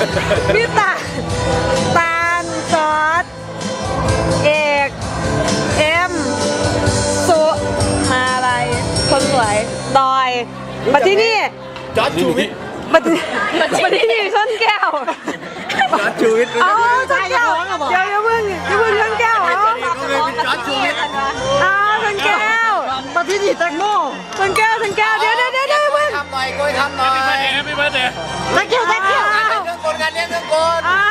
พี่ตาลซอสเอกเอ็มสุมาอะไรคนสวยดอยมาที่นี่จอร์จชูวิทย์มาที่นี่ชนแก้วจอร์จชูวิทย์อ๋อชนแก้วเดี๋ยวอย่าเพิ่งชนแก้วเหรอจอร์จชูวิทย์อ๋อชนแก้วมาที่นี่แตงโมชนแก้วเดี๋ยวเพิ่งทำหน่อยกล้วยทำหน่อยแฮปปี้เบิร์ดเดย์ตะเกียบงานเลี้ยงเครื่องกลงานเลี้ยงเครื่องกลอ่า